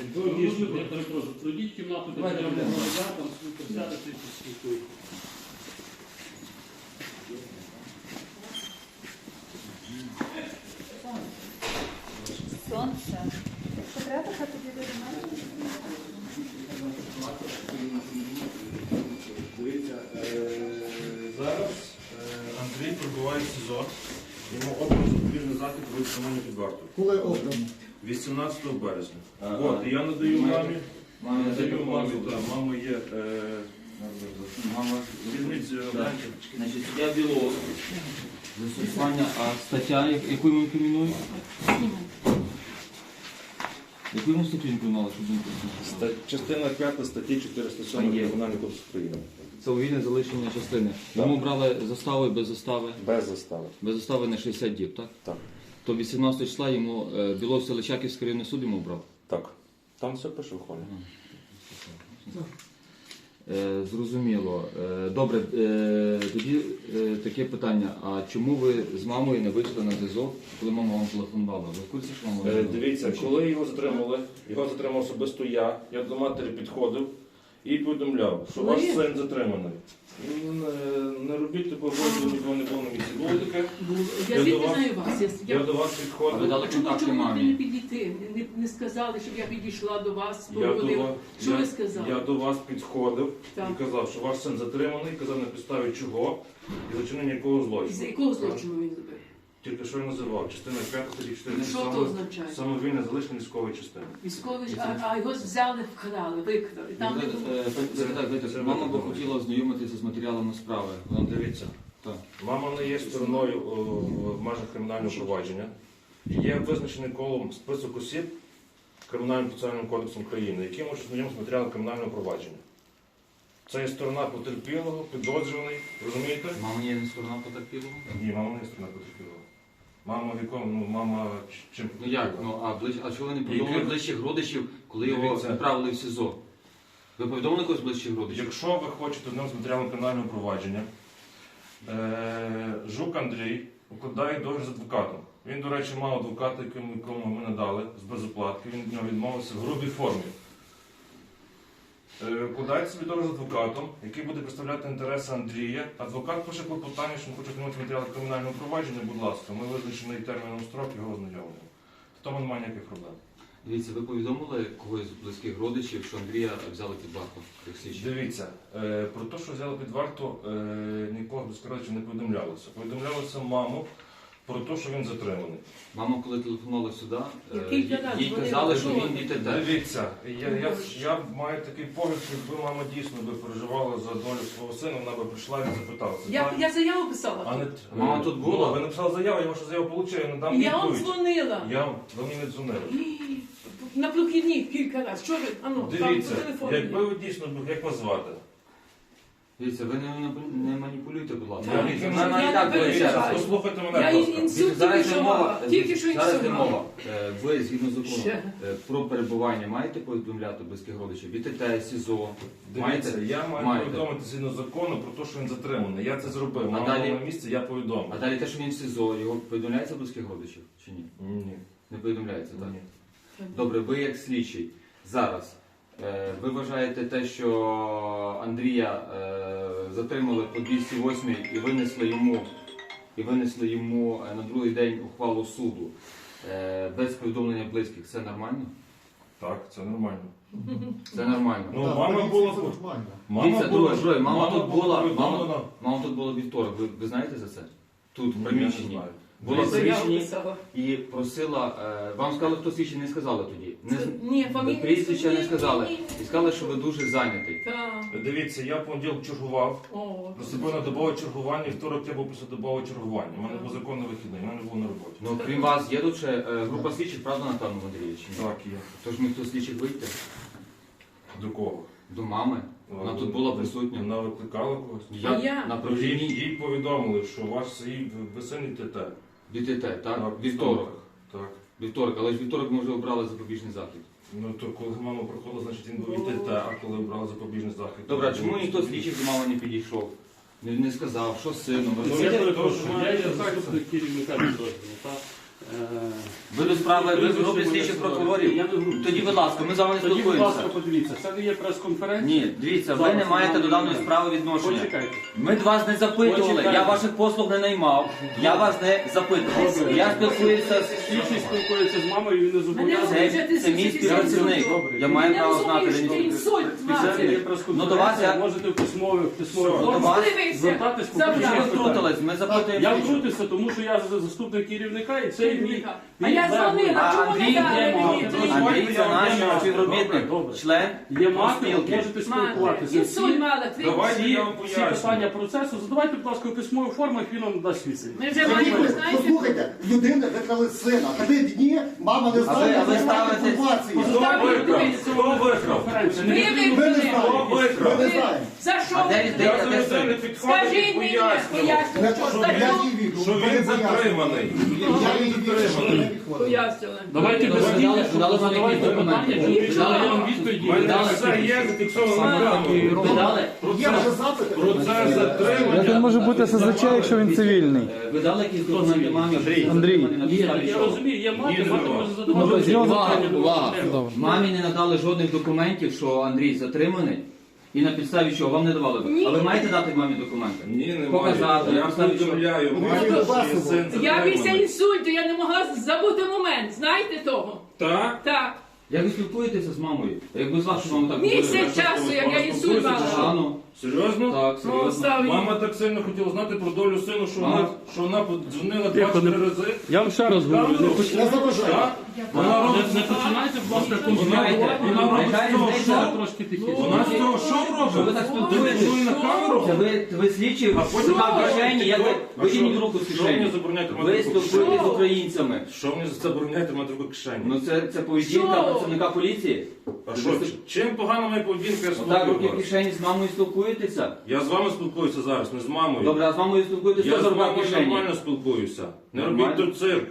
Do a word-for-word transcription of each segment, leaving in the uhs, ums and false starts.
Я перепрошую, пройдіть кімнату, де Давайте прямо йдемо. назад, там присядете і поспілкуєте. Сонце. Що треба, що тобі вирішати? Дивіться, зараз Андрій прибуває в СІЗО. Йому обрано запобіжний захід про відтримання під вартою. Коли обрано? вісімнадцятого березня. Ага. От, і я надаю мамі. Мамі Надаю мамі, запропонували. так, мама є. е, Мама, Візьміть е, Так. Бранків. значить, суддя Білов. Застосування, а стаття, я- яку йому інкримінує? Яку йому статтю інкримінували, щоб він Ста- Частина п'ята статті чотириста сьома А є. Кримінального кодексу України. Це увільне залишення частини. Йому брали застави без застави. Без застави. Без застави на шістдесят діб, так? Так. То вісімнадцятого числа йому е, Білов Селищаківський районний суд йому брав. Так. Там все пише в холі. Е, зрозуміло. Е, добре, е, тоді е, таке питання. А чому ви з мамою не вийшли на зв'язок, коли мама вам телефонувала? Ви в курсі, що мама вам Е, телефонувала? Дивіться, коли його затримали, його затримав особисто я, я до матері підходив і повідомляв, що ваш син затриманий. Не, не робіть такого роду, нікого не було на місці. Було таке, Я Я звідки до вас- знаю вас. Я, я я, до вас А ви підходив. дали чому контакти чому ви мамі? не підійти? Не, не сказали, щоб я підійшла до вас, Я до, поговорила. вас, Що я, ви сказали? я до вас підходив Так. і казав, що ваш син затриманий, казав на підставі чого і за чинення якого І злочину. за якого злочину він зробив? Тільки що я називав, частина п'ята статті чотириста Що то сьома означає? самовільне залишення військової частини. Військовий, а, а його взяли, вкрали, викрали. Там не було. Е, е, так, так, так. Мама би хотіла ознайомитися з матеріалами справи. Вона Дивіться, Так. мама не є стороною о, в межах кримінального провадження. Є визначений колом список осіб Кримінальним процесуальним кодексом України, які можуть знайомитися з матеріалом кримінального провадження. Це є сторона потерпілого, підозрюваний, розумієте? Мама є не сторона потерпілого? Ні, мама не є сторона потерпілого. Мама в якому, ну, мама ч- чим Ну як? Ну, а, ближ... а чого ви не повідомили Які- ближчих родичів, коли його Дивіться. відправили в СІЗО? Ви повідомили когось ближчих родичів? Якщо ви хочете з ним з матеріалом кримінального провадження, е, Жук Андрій укладає договір з адвокатом. Він, до речі, мав адвоката, якому якому ми надали з безоплатки, він від нього відмовився в грубій формі. Е, Укладає собі договір з адвокатом, який буде представляти інтереси Андрія. Адвокат пише клопотання, що він хоче отримати матеріали кримінального провадження, будь ласка, ми визначений терміном строк його ознайомлюємо. В тому немає ніяких проблем. Дивіться, ви повідомили когось з близьких родичів, що Андрія взяли під варту як слідчі? Дивіться, е, про те, що взяли під варту, е, нікого безкоровичів не повідомлялося. Повідомлялося маму про те, що він затриманий. Мама, коли телефонувала сюди, е, Кілька разів їй вони казали, що він говорили. ДТТ. Дивіться, я, я, я маю такий погляд, якби мама дійсно би переживала за долю свого сина, вона би прийшла і запиталася. Я, я заяву писала. А не, Мама тут була? Ну, ви написали заяву, я вашу заяву отримав, я надам І я вам відповідь. дзвонила. Я вам, ви мені не дзвонили. І на прохідні кілька разів. Що ви? Ану, там по Дивіться, телефону. якби ви дійсно, як вас звати? Дивіться, ви не, не маніпулюйте, будь ласка. Так, Дивіться, я вона навіть не так переживаю. говорить. Послухайте Я мене, будь і ласка. інсульт Зараз тільки не що мова, мала. Тільки що зараз не інсульт мова. мала. Е, Ви, згідно закону, Ще. е, про перебування маєте повідомляти близьких родичів? ВТТ, СІЗО? Дивіться, Маєте? я маю Маєте. повідомити згідно закону про те, що він затриманий. Я це зробив. А Мама далі? була на місці, я повідомив. А далі те, що він в СІЗО, його повідомляється близьких родичів чи ні? Ні. Не повідомляється, так? Ні. Добре, ви як слідчий зараз, е, ви вважаєте те, що Андрія е, затримали по двісті восьмій і винесли йому, і винесли йому е, на другий день ухвалу суду е, без повідомлення близьких, це нормально? Так, це нормально. Це нормально. Ну, Так, мама поліція була це тут. нормально. Мама Дивіться, була, друге, друге, мама тут була, повідомлена. мама, мама тут була вівторок, ви, ви знаєте за це? Тут, в Ні, я не приміщенні. знаю. Була в Я заяву приміщенні писала. і просила, е, вам сказали, хто слідчий, не сказали тоді. Не, Це- Ні, фамілію. прізвища не ні, сказали. ні, ні. І сказали, що ви дуже зайнятий. Так. Дивіться, я в понеділок чергував. О, Приступив на добове чергування, і второк я був після добового чергування. У мене був законний вихідний, у мене був на роботі. Ну, крім вас, є тут ще е, група слідчих, правда, Натану Андрійович? Так, є. Тож ми хто слідчих вийти? До кого? До мами. Вона тут була присутня. Вона викликала когось. Я, А я? на Їй, прохідній їй повідомили, що ваш свій ви син ТТ. ДТТ, так? Вівторок. Так. Вівторок, але ж вівторок ми вже обрали запобіжний захід. Ну то коли мама проходила, значить він був і ТТ, а коли брали запобіжний захід. Добре, а чому ніхто з слідчих до мами не підійшов? Не, не сказав, що з сином? Ну, Я я перепрошую, перепрошую, я є я- заступник керівника підрозділу. Та, е, Ви до справи, ви в групі слідчих прокурорів? Я не в групі. Тоді, будь ласка, ми з вами не Тоді, будь спілкуємося. ласка, подивіться, це не є прес-конференція. Ні, дивіться, ви Зараз не маєте нам до даної не- справи відношення. Почекайте. Ми до вас не запитували, Почекайте. я ваших послуг не наймав, я вас не запитував. Добре. Я спілкуюся з... Слідчий спілкується з мамою, він не зобов'язаний. Це, це мій співпрацівник, я маю Ти не право знати. розумієш, де ти він- інсульт Спеціально є мати. прес-конференція, Ну, до вас я- можете в письмові, в письмові Все, формі до вас- Дивися, звертатись по завжди. Що ви ключових втрутились? Ми запитуємо. Я слідчого. втрутився, тому що я за- заступник керівника і це мій... А я дзвонила, А чому Андрій, не дали є мені? мама. Андрій це наш співробітник, Добре, добре. член Є мати, спілки. можете Мати, спілкуватися. інсульт мала. ти- Давайте Всі, я вам всі поясню. питання процесу задавайте, будь ласка, у письмових формах, він вам дасть відповідь. Ми вже маємо, знаєте, Послухайте, людина викрали сина. Три дні мама не А ви- знає, а ви немає ставите- інформації. Хто викрав? Хто викрав? ви Ми не викрали. знаємо. Хто викрав? Ми не знаємо. За що А де- ви де- Я викрали? де- за людини підходив і Скажіть мені, пояснював, пояснював, Не що що за я що їй вірю. що він затриманий. Я їй вірю, що вона не підходить. пояснювали. Давайте без Добре, слів, дали- щоб дали задавайте вам якісь питання, документи? щоб Дали- я вам відповіді. У мене Дали- все є зафіксовано на камеру. Ви дали, Є вже запити. Процес затримання. Як він може бути ес ес зет, якщо він цивільний? е, ви дали якісь документи мамі? Андрій. На Ні, підставі я чого? розумію, є мати, Ні, мати нема. може Ну, задавати без нього питання. Увага, нема увага. проблем. Добре. Мамі не надали жодних документів, що Андрій затриманий. І на підставі чого вам не давали? Ні. А ви маєте дати мамі документи? Ні, немає. Показати, Я на підставі чого? повідомляю, Ну, маю, ви що є син Я після затриманий. інсульту, я не могла забути момент. Знаєте того? Так? Так. Як ви спілкуєтеся з мамою? Якби з вашою мамою так Місяць говорили? часу, як я інсульт А, мала. ну, Серйозно? так, Ну, серйозно. став- Мама так сильно хотіла знати про долю сину, що Мама. вона, що вона подзвонила Тихо, не- двадцять рази. Я вам ще раз говорю, не поч- Не заважайте. Так? Вона не- робить не починайте, будь ласка, Вона, конфліктувати. вона робить Нехай з того здається. шоу. Трошки тихіше. Вона з цього шоу Що ви робить? так Телефонує спілкуєтесь? на камеру? Це ви, ви слідчі, А потім рука в ви кишені, як ви А витягніть що? руку з Що мені кишені. забороняєте Ви мати руку в спілкуєтесь з Що? українцями. Що мені забороняєте мати руку в кишені? Ну це, це поведінка Що? працівника поліції. А що, чим погана моя поведінка, я з Отак руки в тобою? кишені з мамою спілкуєтеся. Я з вами спілкуюся зараз, не з мамою. Добре, а з мамою спілкуєтеся, Я що з за рука в вами кишені? нормально спілкуюся. Не Нормально? робіть тут цирк.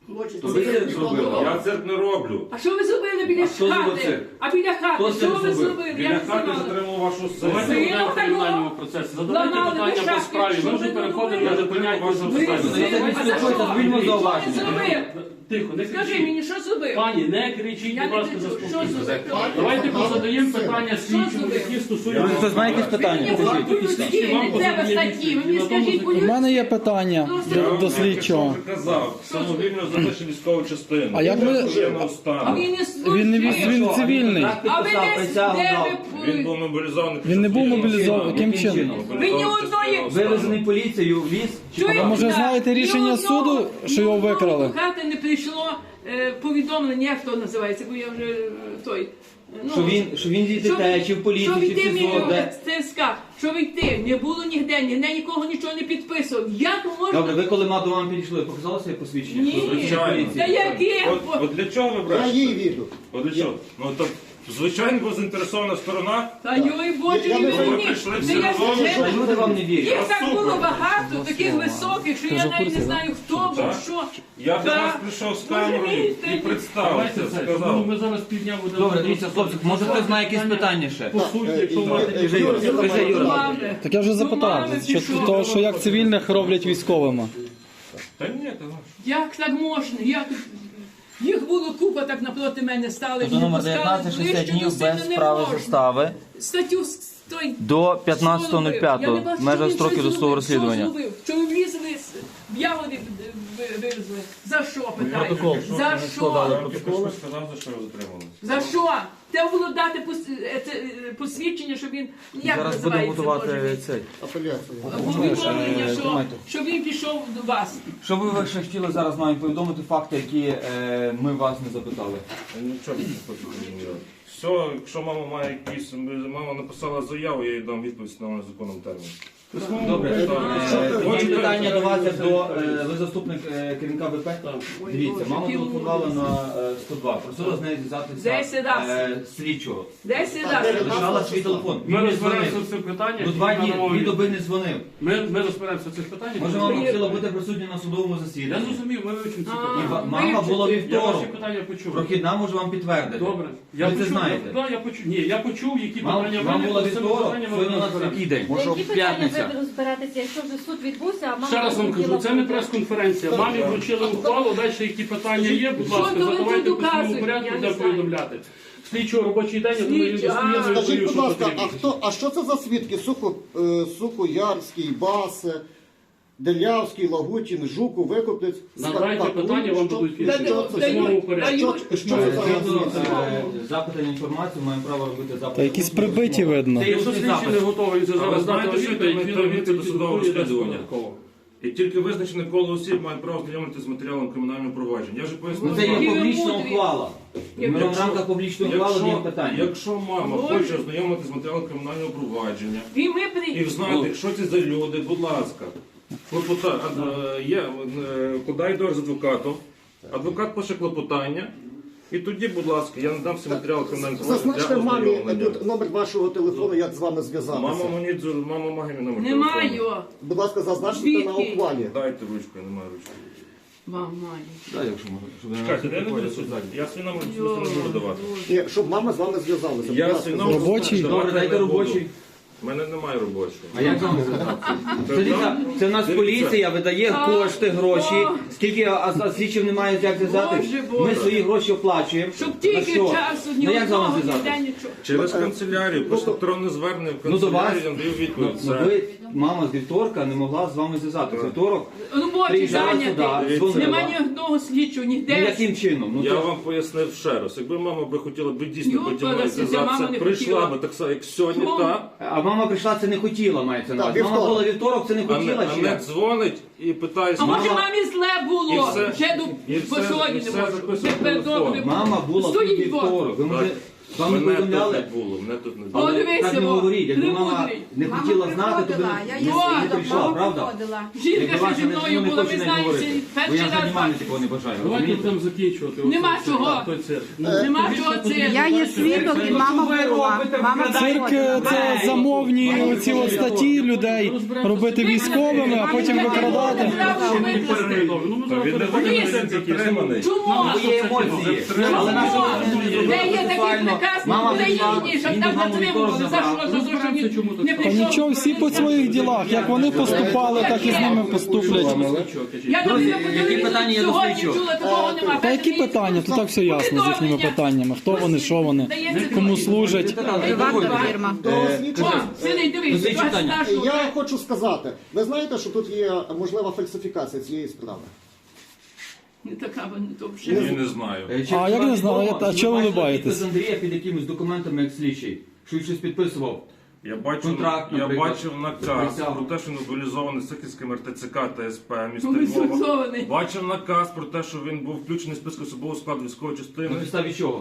То ви цирк зробили. Я цирк не роблю. А що ви зробили біля А хто зробив хати? цирк? А біля Хто хати, що цирк ви зробив? зробили? Біля Я не хати знала. затримав вашу Давайте сесію. будемо в кримінальному процесі. Задавайте Ламали питання по шашки, справі. що Ми ви вже тут переходимо, робили? я зупиняю вашу Ви справу. Ну, я так не А за спілкуюся, що? зробіть Що зауваження. ви зробили? Тихо, не Скажи кричіть. мені, що зробив? Пані, не кричіть, Я будь не ласка, кричу. Що заспокійтеся. зробив? Давайте позадаємо питання слідчому, зробив? які стосуються... Хтось знає якісь питання? Мені Кажіть. по-людськи не треба статті. Ви мені скажіть У по-людськи. мене є питання до, до слідчого. Я вже казав, самовільно залишив військову частину. А як ви- Воєнного А стану. він не Він не служив. віз- він цивільний. Так А ви підписав, десь присягу де дав. ви Він були? був мобілізований. Він не був частиною. мобілізований. Яким Яким чином? чином? Ви ні Мобілізований одної- частиною стану. Вивезений поліцією в ліс? Чи Чуєте? А може знаєте рішення Ні одного- суду, що його ні одного викрали? до хати не прийшло е, повідомлення, як то називається, бо я вже е, той. е, ну, Що він, що він зі що ДТЕ, ви- чи в поліції, що чи йти в СІЗО, де? ТСК, що йти, не було ніде, ніде нікого нічого не підписував. Як можна? Добре, ви коли ма до вам підійшли, показали своє посвідчення? Ні. Що ви працюєте в Звичайно. поліції? Та яке? От, от для чого ви Я брешете? їй вірю. От для чого? Ну то звичайно була заінтересована сторона. Та йой Боже, Я і не мені. Ви прийшли Та всі я разом, вже- Та люди вам не вірять. Їх так супер. було багато, таких високих, що я навіть не знаю, хто був, Так. що. Я до Так. вас прийшов з Боже камерою мій, і ти- представився, Давайте це. Ну, сказав. ми зараз півдня будемо... Добре, дивіться, хлопці, може хтось знає якісь питання ще? По суті, якщо мати... Кажи, Юра, кажи, Юра. Мами. Так я вже запитав, що, то, що як цивільних роблять військовими. Та ні, та ну. Як так можна? Як... Їх було купа так напроти мене стали. Тобто і номер пускали дев'ятнадцять ближче шістдесят до днів сина без не справи можна. застави Статтю с- той. до п'ятнадцятого нуль п'ятого в межах строків досудового розслідування. Що зробив? Що ви влізли з в ягоди ви- вивезли? За що питаєте? За що? Я тільки що сказав, за що ви затримали. За що? Треба було дати пос- е, це, е, посвідчення, щоб він як Зараз будемо називається, готувати Боже? цей. Апеляцію. Повідомлення, е, що, документи. що він пішов до вас. Що би ви ще хотіли зараз нам повідомити факти, які е, ми вас не запитали? Я нічого не хочу зрозуміти. Все, якщо мама має якісь, мама написала заяву, я їй дам відповідь на законному терміні. Добре. Е, Тоді Хочете- питання до вас як до е, ви заступник е, керівника ВП? Дивіться, мама Боже, телефонувала на е, сто два, просила з нею Десять зв'язатися раз. е, слідчого. Де сюди? Лишала свій телефон. Він Ми не розберемося дзвонив. в цих питаннях. Ну два дні, надамо дві відповідь. доби не дзвонив. Ми, ми розберемося в цих питаннях. Може, мама хотіла бути присутня на судовому Я засіданні. зрозумів, ми вивчимо ці А, І питання. ва- мама вивчити. була Я ваші вівторок. питання почув. Прохідна може вам підтвердити. Добре. Я Ви це почув, знаєте. Я, да, я почув. Ні, я почув, які Вам, питання вам виникли, була з цими вівторок, питаннями сьогодні у нас розберемося. який день? Які питання П'ятниця. дивіться. ви розберетеся, якщо вже суд відбувся, а мама Ще раз вам кажу, це не прес-конференція. Мамі вручили ухвалу, далі які питання є, будь ласка, Що то ви задавайте тут в письмовому доказуєте? порядку, Я де не знаю. повідомляти. Слідчого робочий день, я думаю, він Слідчий, достовірно а. Скажіть, відповів, будь що ласка, а потрібно. хто, а що це за свідки? Сухо, е, Сухоярський, Басе, Делявський, Лагутін, Жуку, Викупець, Надайте Спартак. питання, вам Що- дадуть Та відповідь. ну, В письмовому дають, порядку. дають. Що, що це за Згідно свідки? е, запиту на інформацію, маємо право робити запит. Та якісь прибиті видно. Це Якщо усний слідчий не запит. готовий А ви зараз знаєте, дати що відповідь, це він таємниця відповідь досудового відповідає розслідування? додатково. І тільки визначене коло осіб має право знайомитися з матеріалом кримінального провадження. Я вже пояснив. Ну, це є Які ви публічна мудрі. ухвала. Ми в Якщо- рамках публічної ухвали Якщо, даємо питання. якщо мама Боже. хоче ознайомитися з матеріалом кримінального провадження І ми і при... знати, що це за люди, будь ласка. Клопота... а, е, є, е, подай до з адвокатом, адвокат пише клопотання, і тоді, будь ласка, я надам всі матеріали кримінального провадження. Зазначте для мамі ознайомлення. тут номер вашого телефону, як з вами зв'язатися. Мама мені дзвон- мама має мій номер Не телефону. маю. Будь ласка, зазначте Звідки? на ухвалі. Дайте ручку, я не маю ручки. Вам маю. Так, якщо можна. Щоб я Чекайте, я не буду не судити. Я свій номер не буду давати. Ні, щоб мама з вами зв'язалася. Будь Я ласка, свій номер Робочий? давати Добре, дайте не буду. робочий. У мене немає робочого. А як з вами зв'язатися? Дивіться, це в нас Дивіться. поліція видає А, кошти, гроші. о. Скільки а, а слідчим немає як зв'язати? Боже, Боже. Ми свої гроші оплачуємо. Щоб На тільки що? часу, ні Ну як з вами одного, ніде зв'язати? нічого. Через канцелярію, просто електронне звернення в Ну до вас. канцелярію, я даю Ну, відповідь. ну, Це- ви, мама з вівторка не могла з вами зв'язати. З вівторок Робочий приїжджала сюди, зайнятий. дзвонила. Нема ні одного слідчого, Ну ніде. яким чином? Ну, Я то- вам пояснив ще раз. Якби мама би хотіла би дійсно Його потім мною пересидя, мама зв'язатися, не прийшла хотіла. би так само, як сьогодні, Чому? та, А мама прийшла, це не хотіла, мається на Так, увазі. Мама вівторок. була вівторок, це не а не, хотіла а чи не як? дзвонить і питається. А може Мама- мамі зле І було? все- Вже і до все- по сьогодні і не все можу. записує Тепер телефон. добре. Мама була тут Стоїть бо. вівторок. Ви може вам не Мене тут повідомляли? не було, мене тут не О, було. Але дивися, так не во, говоріть, якби мама премудрий. не хотіла знати, то би приходила, я не, її не свідок, прийшла, мама правда? приходила. Жінка Якби ще ваша зі не- мною не була, хоче ви не знаєте, говорити. Бо я перший вже раз знімальні бачу. такого не бажаю. Давайте розумієте? будемо закінчувати. Нема Оце чого. цирк, той цирк. Нема чого це. Я є свідок і мама була. Мама Цирк е, це замовні оці от статті людей робити військовими, а потім викрадати. Ну, ми зараз Він не переходимо. затриманий. Чому? Бо є емоції. Але наша Чому? Де є такий приказ Мама в прийшла, Україні, щоб він там маму вівторок затримували? За забрав. що? За те, що він Чому тут не так? Та прийшов? нічого, всі по своїх ділах. Як вони поступали, так і з ними поступлять. Я Друзі, тобі по які телевізору питання є до сьогодні слідчого? чула, такого нема. Та які питання? Тут так все ясно з їхніми питаннями. Хто вони, що вони, кому служать. Приватна фірма. До О, слідчого. сидить, дивись, Слідчі ситуація питання. нашого. Я хочу сказати, ви знаєте, що тут є можлива фальсифікація цієї справи? Не така вона, то Я вже. не знаю. Е, чи А як вам не знаю, відомо, а чого ви бачили улибаєтесь? підпис Андрія під якимись документами як слідчий, що він щось підписував. Я бачив, Контракт, я наприклад. бачив наказ Присягу. про те, що мобілізований Сихівським ер те це ка та ес пе міста Мобілізований. Львова. Бачив наказ про те, що він був включений в список особового складу військової частини. На підставі чого?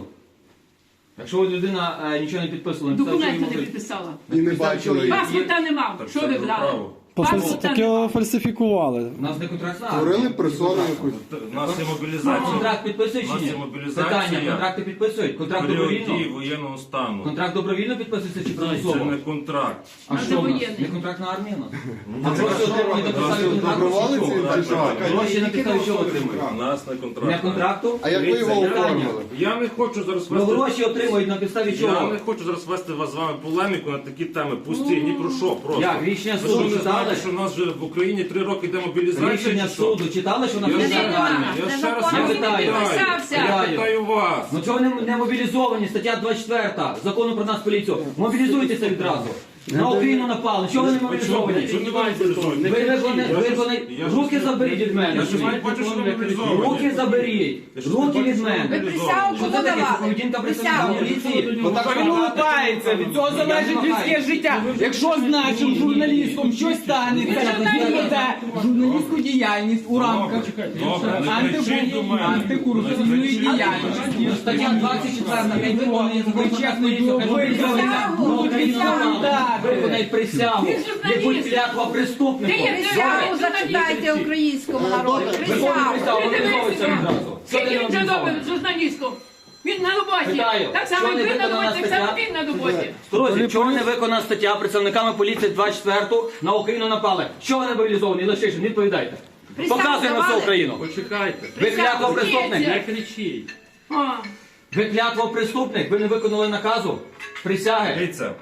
Якщо от людина е, нічого не підписувала, на підставі чого Документи йому не дають? підписала. На підставі чого є- є- Паспорта не мав. Так Що це ви його брали? право. Пофальс- Так його фальсифікували. У нас не контракт на Створили персону якусь. У нас є А мобілізація. контракт підписують У нас чи ні? є мобілізація. Питання, контракти підписують? Контракт Період дії добровільно? воєнного стану. Контракт добровільно підписується чи Це примусово? не контракт. А А що це в нас? воєнний. Не контрактна армія? ну? А гроші отримують на підставі контракту? Доброволець чи чи чого? що? Гроші на підставі чого отримують? У нас не контракт. Не контракту? А як ви його Питання. оформили? Я не хочу зараз Ну вести. гроші отримують на підставі Я чого? не хочу зараз вести вас з вами полеміку на такі теми. Пусті, ні про що просто. Як? Рішення Ви суду що, не читали? знаєте, що в нас вже в Україні три роки йде мобілізація? Рішення чи що? суду читали, що на Я підставі ще- армії? Я ще раз Я вас питаю. підписався. Я Питаю. питаю вас. Ну чого не, не мобілізовані? Стаття двадцять четверта закону про нас поліцію. Мобілізуйтеся відразу. На Україну напали. Чого ви не мобілізовані? Чого не мобілізовані? Ви виконані, Я ж- виконані. я ж- Руки заберіть від мене. Я ж не бачу, що ви мобілізовані. Руки заберіть. Я ж не Руки бачу, від що ви мене. мобілізовані. Присягу Що кому це таке? Це давали? поведінка представника Присягу. поліції? Отак Він улыбається, від цього залежить людське життя. Якщо значить журналістом щось станеться, він веде журналістську діяльність у рамках Добре, не кричіть до антибу- мене. антикорупційної Не кричіть. діяльності. Ну, Стаття двадцять четверта. Хай виконує закон про нас поліцію. Хай мобілізується. Присягу. На Україну напали. Виконай присягу. Він журналіст. Не будь клятва Ти преступником. є Присягу зачитайте українському народу. Виконуй Присягу. присягу, мобілізовується відразу. Що ти Скільки не він вже мобілізований? робить журналістом? Він на роботі. Питаю, Так само що і не ви на виконана роботі, так само стаття? він на роботі. Друзі, чого не виконана стаття працівниками поліції двадцять четверту на Україну напали? Чого не мобілізовані? Лишишин, відповідайте. Присягу Показуємо всю давали? Україну. Почекайте. Ви клятва преступник. Не кричіть. О, Ви клятва преступник. Ви не виконали наказу. Присяги. Дивіться,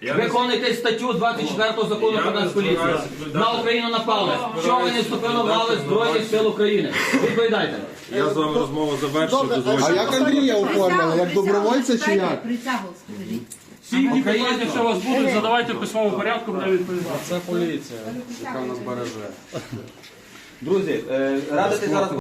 Виконуйте статтю двадцять четвертого закону про Нацполіцію. На Україну напали. Що ви не вступили в лави Збройних сил України? Відповідайте. Я з вами розмову завершую. Добре, дозвольте. а як Андрія оформили? Як добровольця чи як? Присягу, скажіть. Всі які питання, що у вас будуть, задавайте в письмовому порядку, буде відповідати. Це поліція, яка нас береже. Друзі, е, радити зараз